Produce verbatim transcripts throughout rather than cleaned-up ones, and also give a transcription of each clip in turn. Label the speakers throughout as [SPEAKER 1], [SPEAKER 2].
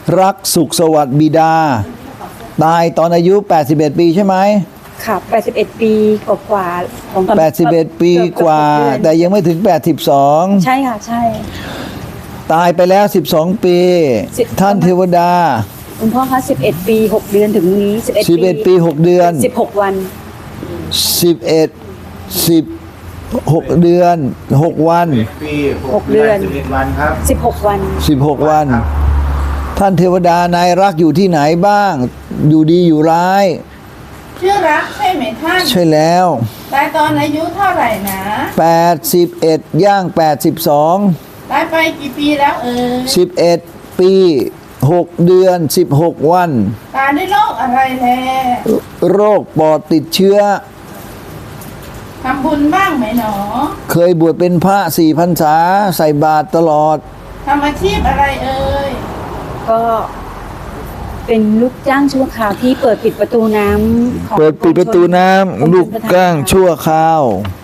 [SPEAKER 1] รักสุขสวัสดิ์บิดาตายตอนอายุแปดสิบเอ็ดปีใช่ไหม
[SPEAKER 2] ค่ะแปดสิบเอ็ดปีกว่าๆของ
[SPEAKER 1] แปดสิบเอ็ดปีกว่าแต่ยังไม่ถึงแปดสิบสอง
[SPEAKER 2] ใช่ค่ะใช่
[SPEAKER 1] ตายไปแล้วสิบสองปีท่านเทวดา
[SPEAKER 2] คุณพ่อคะสิบเอ็ดปีหกเดือนถึงนี้สิบเอ็ด
[SPEAKER 1] สิบเอ็ดปีหกเดือน
[SPEAKER 2] สิบหกวัน
[SPEAKER 1] สิบเอ็ดสิบหกเดือนหกวัน
[SPEAKER 3] ปีหกเดือนสิบเอ็ดวันครับ
[SPEAKER 2] สิบหกวัน
[SPEAKER 1] สิบหกวันท่านเทวดานายรักอยู่ที่ไหนบ้างอยู่ดีอยู่ร้าย
[SPEAKER 4] ชื่อรักใช่ไหมท่าน
[SPEAKER 1] ใช่แล้ว
[SPEAKER 4] ตายตอนอายุเท่าไหร่นะ
[SPEAKER 1] แปดสิบเอ็ดย่างแปดสิบสอง
[SPEAKER 4] ตายไปกี่ปีแล้วเออ
[SPEAKER 1] สิบเอ็ดปีหกเดือนสิบหกวัน
[SPEAKER 4] ตายด้วยโรคอะไรแล
[SPEAKER 1] โรคปอดติดเชื้อ
[SPEAKER 4] ทำบุญบ้างไหมหนอ
[SPEAKER 1] เคยบวชเป็นพระสี่พรรษาใส่บาตรตลอด
[SPEAKER 4] ทำอาชีพอะไรเอ่ย
[SPEAKER 2] ก็เป็นลูกจ้างชั่วคราวที่เปิดปิดประตูน้ำ
[SPEAKER 1] เปิดปิดประตูน้ำลูกจ้างชั่วคราว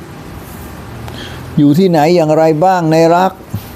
[SPEAKER 1] อยู่ที่ไหนอย่างไรบ้างในรัก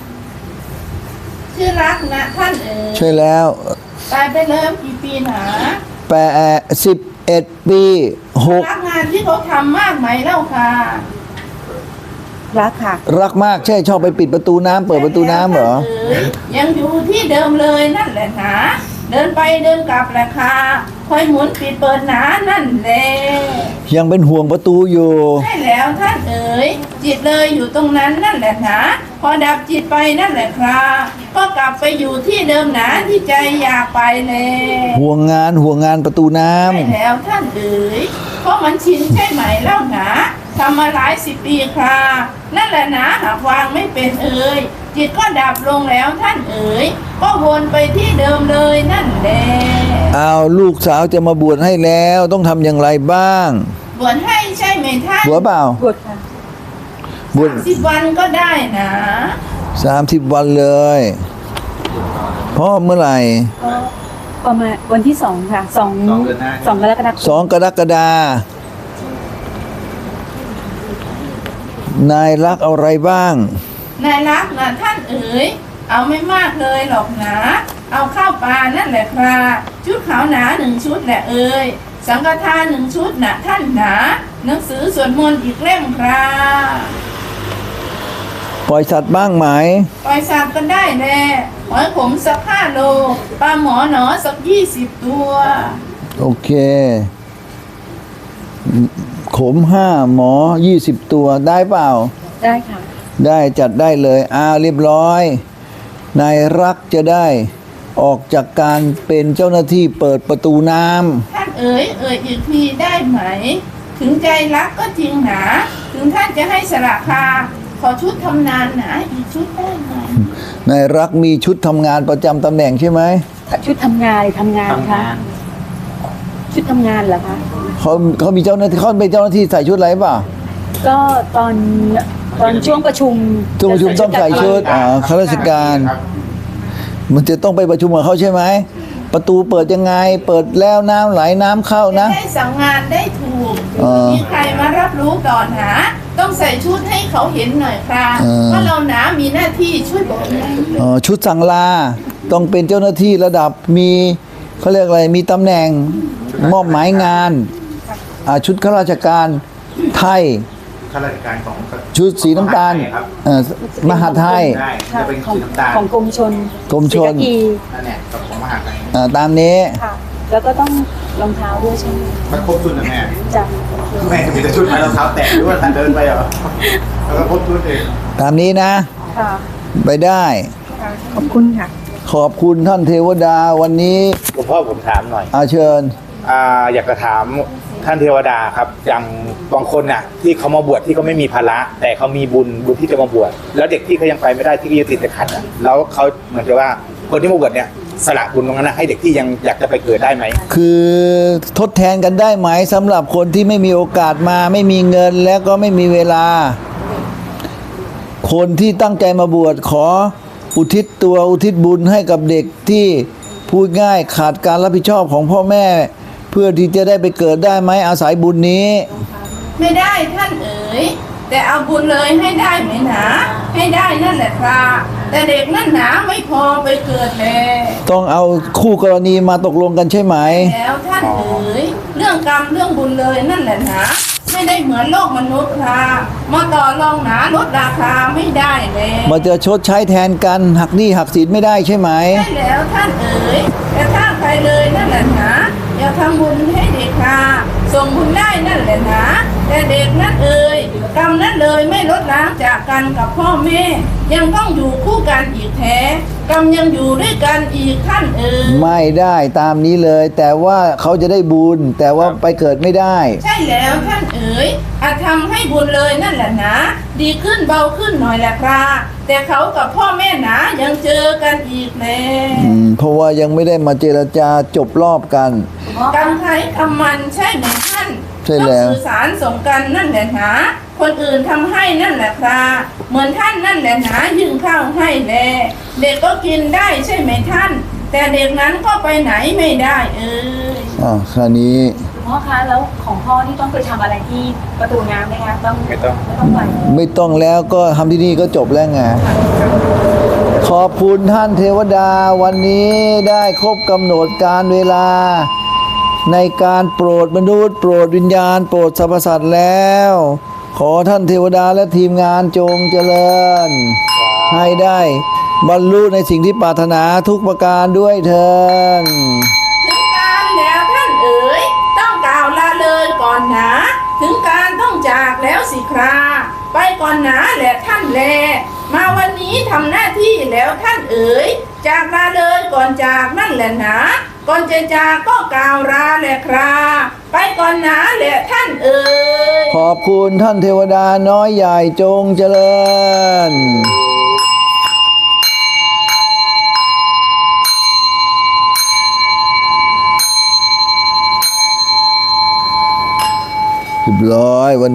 [SPEAKER 4] ชื่อรักนะท่านเอ๋ย
[SPEAKER 1] ใช่แล้ว
[SPEAKER 4] ตายไปเริ่มกี่ปีหนา
[SPEAKER 1] แปดสิบเอ็ดปีหก
[SPEAKER 4] รักงานที่เขาทำมากไหมเล่าค่ะ
[SPEAKER 2] รักค่ะ
[SPEAKER 1] รักมากใช่ชอบไปปิดประตูน้ำเปิดประตูน้ำเหรอ
[SPEAKER 4] ยังอยู่ที่เดิมเลยนั่นแหละนะเดินไปเดินกลับแหละค่ะคอยหมุนปิดเปิดหนานั่นแหละ
[SPEAKER 1] ยังเป็นห่วงประตูอยู่
[SPEAKER 4] ใช่แล้วท่านเอ๋ยจิตเลยอยู่ตรงนั้นนั่นแหละนะพอดับจิตไปนั่นแหละครับก็กลับไปอยู่ที่เดิมหนาที่ใจอยากไปเลย
[SPEAKER 1] ห่วงงานห่วงงานประตูน้ำ
[SPEAKER 4] ใช่แล้วท่านเอ๋ยเพราะมันชินใช่ไหมเล่าหนาทำมาหลายสิบปีครับนั่นแหละนะหากวางไม่เป็นเอ๋ยจิตก็ดับลงแล้วท่านเอ๋ยก็วนไปที่เดิมเลยนั่นแหละ
[SPEAKER 1] เอาลูกสาวจะมาบวชให้แล้วต้องทำอย่างไรบ้าง
[SPEAKER 4] บวชให้ใช่ไหมท่าน
[SPEAKER 1] บวชเปล่า
[SPEAKER 2] บวชค่ะ
[SPEAKER 1] บวช
[SPEAKER 4] สิบวันก็ได้นะ
[SPEAKER 1] สามสิบวันเลยพ่อเมื่อไหร่
[SPEAKER 2] ประมาณวันที่สองค่ะสองสองกรกฎาคม
[SPEAKER 1] สองกรกฎาคมนายรักเอาอะไรบ้าง
[SPEAKER 4] นายรักนะท่านเอ๋ยเอาไม่มากเลยหรอกนะเอาข้าวปลานั่นแหละครับชุดขาวหนาหนึ่งชุดแหละเอ๋ยสังฆทานหนึ่งชุดนะท่านหนาหนังสือสวดมนต์อีกเล่มครับ
[SPEAKER 1] ปล่อยสัตว์บ้างไหม
[SPEAKER 4] ปล่อยสัตว์ก็ได้แน่หอยขมสักห้าโลปลาหมอหนอสักยี่สิบตัว
[SPEAKER 1] โอเคขมห้าหมอยี่สิบตัวได้เปล่า
[SPEAKER 2] ได้ค่ะ
[SPEAKER 1] ได้จัดได้เลยอ้าวเรียบร้อยนายรักจะได้ออกจากการเป็นเจ้าหน้าที่เปิดประตูน้ำ
[SPEAKER 4] ท่านเอ๋ยเอ๋ยอีกทีได้ไหมถึงใจรักก็จริงหนาถึงท่านจะให้สละคาขอชุดทำงานหนาอีกชุดได้ไหม
[SPEAKER 1] นายรักมีชุดทำงานประจำตำแหน่งใช่ไหม
[SPEAKER 2] ชุดทำงานทำงานค่ะชุดทำงานเหรอคะ
[SPEAKER 1] เขาเขามีเจ้าหน้าที่เขาเป็นเจ้าหน้าที่ใส่ชุดอะไรป่ะ
[SPEAKER 2] ก็ตอนตอนช่วงประชุม
[SPEAKER 1] ช่วงประชุมต้องใส่ชุดอ่าข้าราชการมันจะต้องไปประชุมกับเขาใช่ไหมประตูเปิดยังไงเปิดแล้วน้ำไหลน้ำเข้านะ
[SPEAKER 4] ได้สั่งงานได้ถูกมีใครมารับรู้ก่อนหาต้องใส่ชุดให้เขาเห็นหน่อยครับว่าเราหนามีหน้าที่ช่วยบอก
[SPEAKER 1] อ๋อชุดสั่งลาต้องเป็นเจ้าหน้าที่ระดับมีเขาเรียกอะไรมีตำแหน่งมอบหมายงานชุดข้าราชการไทย
[SPEAKER 3] ข้าราชการของ
[SPEAKER 1] ชุดสีน้ำตาลมหาไทย
[SPEAKER 3] จะเป็นสีน้ำตาล
[SPEAKER 2] ของกรมชล
[SPEAKER 1] กรมชล
[SPEAKER 3] นั่นแหละของมหาไทย
[SPEAKER 1] ตามนี้
[SPEAKER 2] ค่ะแล้วก็ต้องรองเท้าด้วยใช่ไหม
[SPEAKER 3] มันครบชุดนะแม่
[SPEAKER 2] จ้ะ
[SPEAKER 3] แม่มีแต่ชุดไหมรองเท้าแตะหรือว่าท่านเดินไปเหรอแล้วก็ครบชุดเอง
[SPEAKER 1] ตามนี้นะ
[SPEAKER 2] ค่ะ
[SPEAKER 1] ไปได้
[SPEAKER 2] ขอบคุณค่ะ
[SPEAKER 1] ขอบคุณท่านเทวดาวันนี้
[SPEAKER 3] หลวงพ่อผมถามหน่อย
[SPEAKER 1] อาเชิญ
[SPEAKER 3] อ่าอยากจะถามท่านเทวดาครับอย่างบางคนน่ะที่เขามาบวชที่เขาไม่มีภาระแต่เขามีบุญบุญที่จะมาบวชแล้วเด็กที่เขายังไปไม่ได้ที่เขาติดแต่ขัดอ่ะแล้วเขาเหมือนกับว่าคนที่มาบวชเนี่ยสละบุญตรงนั้นให้เด็กที่ยังอยากจะไปเกิดได้ไหม
[SPEAKER 1] คือทดแทนกันได้ไหมสำหรับคนที่ไม่มีโอกาสมาไม่มีเงินแล้วก็ไม่มีเวลาคนที่ตั้งใจมาบวชขออุทิศตัวอุทิศบุญให้กับเด็กที่พูดง่ายขาดการรับผิดชอบของพ่อแม่เพื่อที่จะได้ไปเกิดได้ไหมอาศัยบุญนี้
[SPEAKER 4] ไม่ได้ท่านเอ๋ยแต่เอาบุญเลยให้ได้ไหมหนาให้ได้นั่นแหละครับแต่เด็กนั่นหนาไม่พอไปเกิดแล
[SPEAKER 1] ต้องเอาคู่กรณีมาตกลงกันใช่ไหม
[SPEAKER 4] แล้วท่านเอ๋ยเรื่องกรรมเรื่องบุญเลยนั่นแหละหนาไม่ได้เหมือนโลกมนุษย์ครับมาต่อรองหนาลดราคาไม่ได้เลย
[SPEAKER 1] มาจะชดใช้แทนกันหักหนี้หักสินไม่ได้ใช่ไหม
[SPEAKER 4] ใช่แล้วท่านเอ๋ยแต่ถ้าใครเลยนั่นแหละหนาอย่าทำบุญให้เด็กค่ะส่งบุญได้นั่นแหละหนาแต่เด็กนั่นเอ๋ยกรรมนั้นเลยไม่ลดล้างจากกันกับพ่อแม่ยังต้องอยู่คู่กันอีกแท้กรรมยังอยู่ด้วยกันอีกท่านเอ๋ย
[SPEAKER 1] ไม่ได้ตามนี้เลย แต่ว่าเขาจะได้บุญแต่ว่าไปเกิดไม่ได้
[SPEAKER 4] ใช่แล้วท่านเอ๋ยอาจทำให้บุญเลยนั่นแหละนะดีขึ้นเบาขึ้นหน่อยแหละครับแต่เขากับพ่อแม่หนายังเจอกันอีกแล้
[SPEAKER 1] อืมเพราะว่ายังไม่ได้มาเจรจาจบรอบกัน
[SPEAKER 4] กรรมใครกรรมมันใช่ไหมท่าน
[SPEAKER 1] ใช่แล้ว
[SPEAKER 4] ต้องสื่อสารส่งกันนั่นแหละนะคนอื่นทำให้นั่นแหละครับเหมือนท่านนั่นแหละนะยื่นข้าวให้แลเด็กก็กินได้ใช่ไหมท่าน แต่เด็กนั้นก็ไปไหนไม่ได้เอ้ย
[SPEAKER 1] อ่าคราวนี้
[SPEAKER 2] คุณพ่อคะแล้วของพ่อนี่ต้องไปทำอะไรที่ประตูน้ำไหมคะต้อง
[SPEAKER 3] ไม่ต้อง
[SPEAKER 2] ไม่ต้องไป
[SPEAKER 1] ไม่ต้องแล้วก็ทำที่นี่ก็จบแล้วไง ขอบคุณท่านเทวดาวันนี้ได้ครบกำหนดการเวลา ในการโปรดมนุษย์โปรดวิญญาณ โปรดสรรพสัตว์แล้ว ขอท่านเทวดาและทีมงานจงเจริญ ให้ได้บรรลุในสิ่งที่ปรารถนาทุกประการด้วยเถิด
[SPEAKER 4] ถึงการแล้วท่านเอ๋ยต้องกล่าวลาเลยก่อนหนาถึงการต้องจากแล้วสิคราไปก่อนหนาแหละท่านแลมาวันนี้ทำหน้าที่แล้วท่านเอ๋ยจากลาเลยก่อนจากนั่นแหละหนาก่อนจะจากก็กล่าวลาแหละคราไปก่อนหนาแหละท่านเอ๋ย
[SPEAKER 1] ขอบคุณท่านเทวดาน้อยใหญ่จงเจริญเรียบร้อยวัน